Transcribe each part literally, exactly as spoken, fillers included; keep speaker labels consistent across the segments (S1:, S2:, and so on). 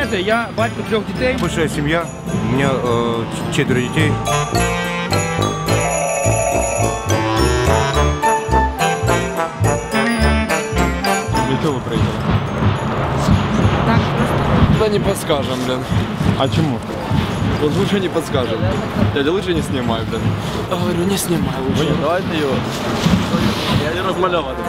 S1: знаєте, я батько трьох дітей.
S2: Большая семья, у меня э, четверо детей.
S3: Для чего вы приехали?
S4: Так, просто.
S5: Да не подскажем, блин.
S3: А чему?
S5: Вот лучше не подскажем. Дядя, лучше не снимай, блин. Я говорю, не снимай лучше. Блин, давай ты его. Я не размалеванный.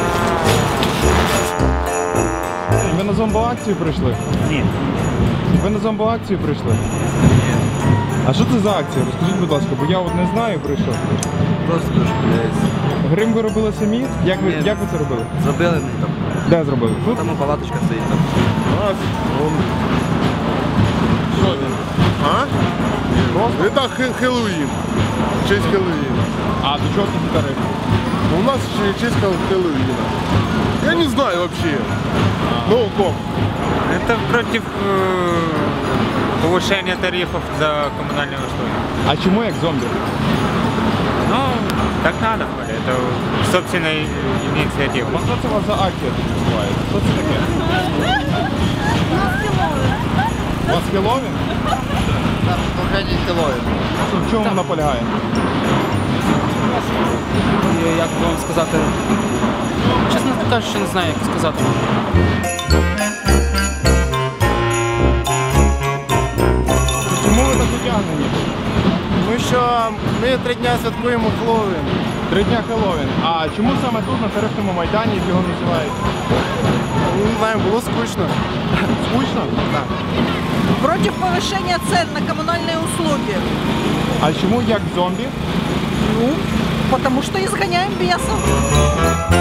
S3: Ви на зомбоакцію прийшли?
S1: Ні.
S3: Ви на зомбоакцію прийшли? Ні. А що це за акція? Розкажіть, будь ласка, бо я от не знаю, прийшов.
S5: Просто шпиляється.
S3: Грим ви робили самі? Як ви,
S5: Ні.
S3: як ви це робили?
S5: Зробили не там.
S3: Де зробили? Тут?
S5: Там палаточка стоїть там.
S3: Що він?
S6: А? Это Хэ- Хэллоуин. В честь Хэллоуина.
S3: А до чого такі тарифи?
S6: У нас в честь Хэллоуина. Я не знаю вообще. Ну, как?
S7: Это против э, повышения тарифов за коммунальные услуги.
S3: А чому як зомбі?
S7: Ну, так надо, это собственная инициатива.
S3: А що це у вас за акція тут відбувається? Що це таке? У вас Хеллоуін?
S5: Так, вже не Хеллоуін.
S3: В чому вона полягає?
S1: Як би вам сказати? Чесно кажучи, не знаю, як сказати.
S3: Чому ви так одягнені?
S6: Тому що ми три дня святкуємо Хеллоуін.
S3: Три дня Хеллоуін. А чому саме тут, на Тарифному майдані, його називають?
S6: Не знаю, було скучно.
S3: Скучно? Так.
S4: Против повышения цен на коммунальные услуги.
S3: А чому як зомбі?
S4: Ну, потому что изгоняем бесов.